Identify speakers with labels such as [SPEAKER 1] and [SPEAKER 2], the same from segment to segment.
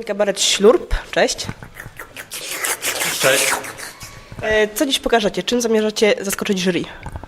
[SPEAKER 1] Kabaret Ślurp. Cześć.
[SPEAKER 2] Cześć.
[SPEAKER 1] Co dziś pokażecie? Czym zamierzacie zaskoczyć jury?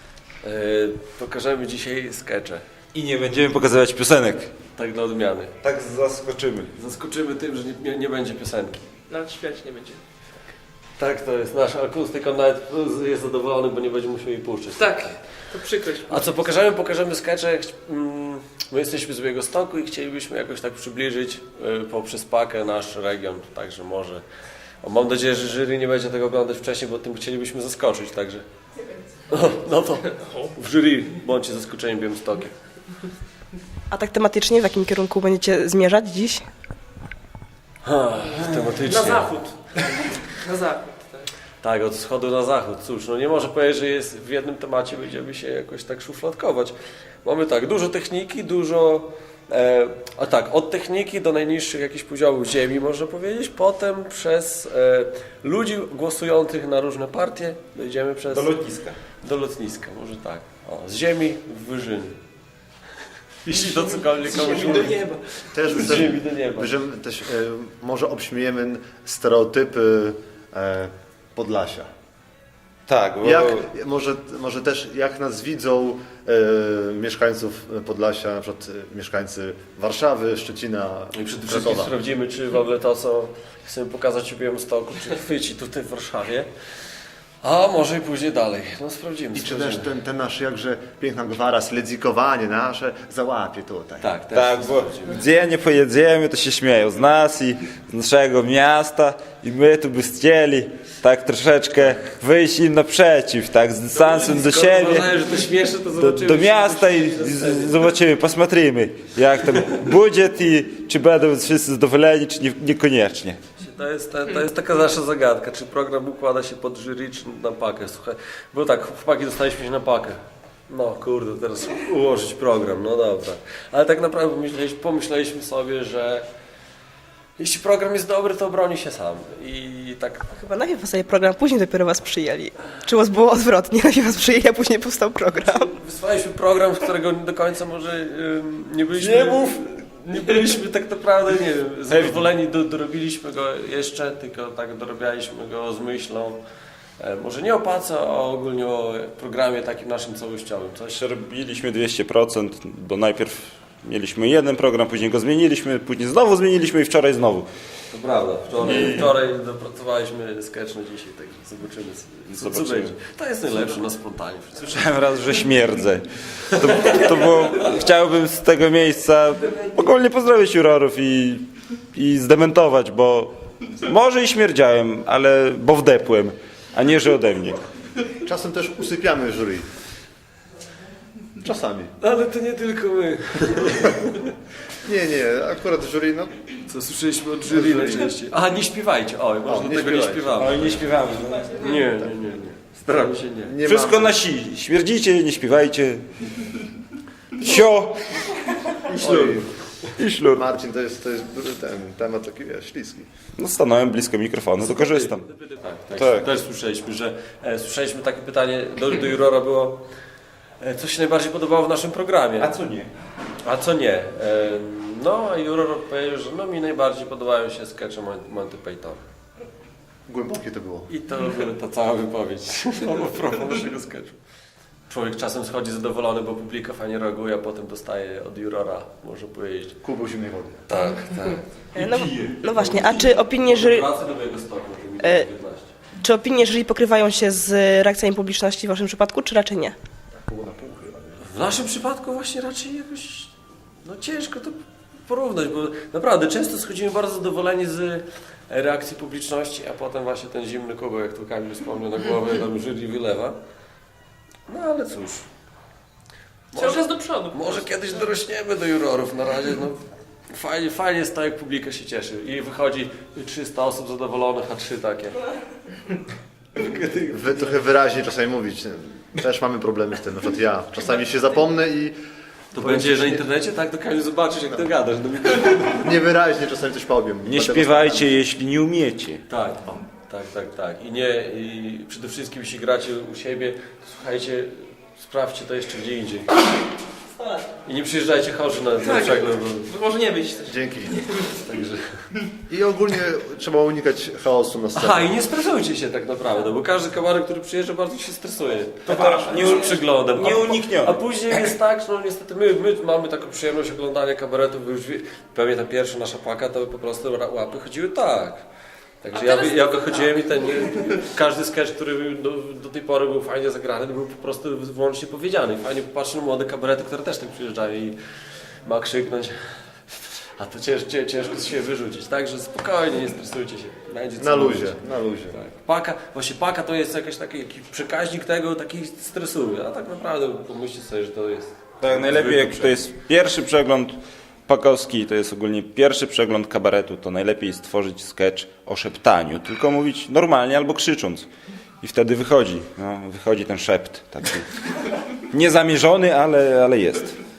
[SPEAKER 2] Pokażemy dzisiaj skecze.
[SPEAKER 3] I nie będziemy pokazywać piosenek.
[SPEAKER 2] Tak dla odmiany.
[SPEAKER 3] Tak zaskoczymy.
[SPEAKER 2] Zaskoczymy tym, że nie będzie piosenki.
[SPEAKER 4] Nawet śpiewać nie będzie.
[SPEAKER 2] Tak, to jest nasz akustyk, on nawet jest zadowolony, bo nie będzie musiał jej puszczać.
[SPEAKER 4] Tak, to przykrość.
[SPEAKER 2] A co pokażemy? Pokażemy skecze. My jesteśmy z Białegostoku i chcielibyśmy jakoś tak przybliżyć poprzez pakę nasz region, także może. Mam nadzieję, że jury nie będzie tego oglądać wcześniej, bo tym chcielibyśmy zaskoczyć, także. No to w jury bądźcie zaskoczeni Białymstokiem.
[SPEAKER 1] A tak tematycznie, w jakim kierunku będziecie zmierzać dziś?
[SPEAKER 2] Tematycznie.
[SPEAKER 4] Na zachód. Na zachód, tak.
[SPEAKER 2] Tak, od wschodu na zachód. Cóż, no nie może powiedzieć, że jest w jednym temacie będziemy się jakoś tak szufladkować. Mamy tak, dużo techniki, dużo... od techniki do najniższych jakichś poziomów ziemi, można powiedzieć. Potem przez ludzi głosujących na różne partie dojdziemy przez...
[SPEAKER 3] Do lotniska.
[SPEAKER 2] Do lotniska, może tak. O, z ziemi w wyżyny. Jeśli to cokolwiek komuś
[SPEAKER 4] Do nieba.
[SPEAKER 5] Też,
[SPEAKER 2] z ziemi do nieba.
[SPEAKER 5] też może obśmiejemy stereotypy Podlasia.
[SPEAKER 3] Tak, bo
[SPEAKER 5] Może też jak nas widzą mieszkańców Podlasia, na przykład mieszkańcy Warszawy, Szczecina,
[SPEAKER 2] I przede wszystkim
[SPEAKER 5] Krakowa.
[SPEAKER 2] sprawdzimy, czy w ogóle to, co chcemy pokazać w Białymstoku, czy chwyci tutaj w Warszawie. A może i później dalej. No sprawdzimy.
[SPEAKER 5] I czy też ten nasz jakże piękna gwara, sledzikowanie nasze załapie tutaj.
[SPEAKER 2] Tak, też
[SPEAKER 3] tak,
[SPEAKER 2] to
[SPEAKER 3] bo
[SPEAKER 2] sprawdzimy.
[SPEAKER 3] gdzie nie pojedziemy, to się śmieją z nas i z naszego miasta i my tu by chcieli tak troszeczkę wyjść im naprzeciw, tak, z dystansem do
[SPEAKER 2] Skoro
[SPEAKER 3] siebie,
[SPEAKER 2] uważają, że to śmieszne, to zobaczymy.
[SPEAKER 3] do
[SPEAKER 2] czy
[SPEAKER 3] miasta
[SPEAKER 2] to
[SPEAKER 3] i
[SPEAKER 2] śmieszne.
[SPEAKER 3] zobaczymy, posmatrimy jak tam budżet i czy będą wszyscy zadowoleni, czy niekoniecznie.
[SPEAKER 2] To jest taka nasza zagadka, czy program układa się pod jury, czy na pakę. Słuchaj, bo tak, chłopaki dostaliśmy się na pakę. No kurde, teraz ułożyć program, no dobra. Ale tak naprawdę pomyśleliśmy sobie, że jeśli program jest dobry, to obroni się sam. I tak
[SPEAKER 1] Chyba najpierw powstaje program, później dopiero was przyjęli. Czy u was było odwrotnie? Najpierw was przyjęli, a później powstał program.
[SPEAKER 2] wysłaliśmy program, z którego do końca może nie byliśmy... Nie byliśmy tak naprawdę, nie wiem, zadowoleni, dorobiliśmy go jeszcze, tylko tak dorabialiśmy go z myślą, może nie o pace, a ogólnie o programie takim naszym całościowym. Coś
[SPEAKER 3] Robiliśmy 200%, bo najpierw mieliśmy jeden program, później go zmieniliśmy, później znowu zmieniliśmy i wczoraj znowu.
[SPEAKER 2] to prawda, wczoraj dopracowaliśmy sketch na dzisiaj, tak zobaczymy co
[SPEAKER 3] Zobaczymy.
[SPEAKER 2] będzie. To jest najlepsze na spontanie.
[SPEAKER 3] Słyszałem raz, że śmierdzę. To było, chciałbym z tego miejsca ogólnie pozdrowić jurorów i zdementować, bo może i śmierdziałem, ale bo wdepłem, a nie, że ode mnie.
[SPEAKER 5] Czasem też usypiamy jury. Czasami.
[SPEAKER 2] Ale to nie tylko my.
[SPEAKER 5] Nie, akurat jury, no
[SPEAKER 2] Co słyszeliśmy od jury najczęściej. Aha, nie śpiewajcie. Oj, może do
[SPEAKER 5] nie
[SPEAKER 2] tego nie
[SPEAKER 5] śpiewajcie.
[SPEAKER 2] śpiewamy.
[SPEAKER 3] Oj, nie śpiewamy.
[SPEAKER 2] Nie. Staramy się nie.
[SPEAKER 5] nie
[SPEAKER 3] Wszystko
[SPEAKER 5] ma...
[SPEAKER 3] na si. Śmierdzicie, nie śpiewajcie. Sio. I ślur.
[SPEAKER 5] Marcin, to jest ten temat taki, wiesz, śliski.
[SPEAKER 3] No stanąłem blisko mikrofonu, to korzystam.
[SPEAKER 2] Tak. Też słyszeliśmy, że słyszeliśmy takie pytanie do jurora było, co się najbardziej podobało w naszym programie,
[SPEAKER 3] co nie?
[SPEAKER 2] a co nie. No a juror odpowiedział, że no mi najbardziej podobają się skecze Monty Python.
[SPEAKER 5] Głębokie to było.
[SPEAKER 2] I to była ta cała wypowiedź a propos naszego sketchu. Człowiek czasem schodzi zadowolony, bo publika fajnie reaguje, a potem dostaje od jurora, może powiedzieć.
[SPEAKER 5] Kubeł zimnej wody.
[SPEAKER 2] Tak.
[SPEAKER 1] No właśnie, a czy opinie jury,
[SPEAKER 2] Wracaj do mojego stopnia, że mi to 15.
[SPEAKER 1] czy opinie jury pokrywają się z reakcjami publiczności w waszym przypadku, czy raczej nie?
[SPEAKER 2] W naszym przypadku właśnie raczej jakoś ciężko to porównać, bo naprawdę często schodzimy bardzo zadowoleni z reakcji publiczności, a potem właśnie ten zimny kubeł, jak tu Kamil wspomniał, na głowę nam jury wylewa. No ale cóż.
[SPEAKER 4] Cały czas do przodu.
[SPEAKER 2] Może kiedyś dorośniemy do jurorów, na razie fajnie jest to, jak publika się cieszy i wychodzi 300 osób zadowolonych, a 3 takie.
[SPEAKER 5] Trochę wyraźnie czasami mówić. Też mamy problemy z tym, na przykład ja. Czasami się zapomnę i
[SPEAKER 2] To będzie na internecie, tak? To Kamil zobaczysz, jak to gadasz.
[SPEAKER 5] niewyraźnie czasami coś powiem.
[SPEAKER 3] Nie
[SPEAKER 5] Dlatego-
[SPEAKER 3] śpiewajcie, jeśli nie umiecie.
[SPEAKER 2] Tak. I przede wszystkim, jeśli gracie u siebie, to słuchajcie, sprawdźcie to jeszcze gdzie indziej. I nie przyjeżdżajcie chorzy na
[SPEAKER 4] Tak.
[SPEAKER 2] przegląd.
[SPEAKER 4] Bo może nie być też.
[SPEAKER 5] Dzięki. Także. I ogólnie trzeba unikać chaosu na scenie.
[SPEAKER 2] Aha, i nie stresujcie się tak naprawdę, bo każdy kabarek, który przyjeżdża, bardzo się stresuje.
[SPEAKER 3] Nie-
[SPEAKER 2] Przyglądem.
[SPEAKER 3] nieuniknione.
[SPEAKER 2] A później jest tak, no niestety my mamy taką przyjemność oglądania kabaretów, bo już pewnie ta pierwsza nasza paka, to po prostu łapy chodziły tak. Także ja wychodziłem i każdy sketch, który do tej pory był fajnie zagrany, był po prostu wyłącznie powiedziany. Fajnie popatrzę na młode kabarety, które też tak przyjeżdżają i ma krzyknąć. A to ciężko się wyrzucić, także spokojnie, nie stresujcie się. Będzie co
[SPEAKER 5] Na luzie,
[SPEAKER 2] mówić.
[SPEAKER 5] na luzie.
[SPEAKER 2] Tak. Paka to jest jakiś taki przekaźnik tego, taki stresuje, a tak naprawdę pomyślcie sobie, że to jest...
[SPEAKER 3] Tak, najlepiej jak
[SPEAKER 2] zwykły
[SPEAKER 3] to jest pierwszy przegląd pakowski, to jest ogólnie pierwszy przegląd kabaretu, to najlepiej stworzyć sketch o szeptaniu, tylko mówić normalnie albo krzycząc. I wtedy wychodzi ten szept, taki niezamierzony, ale jest.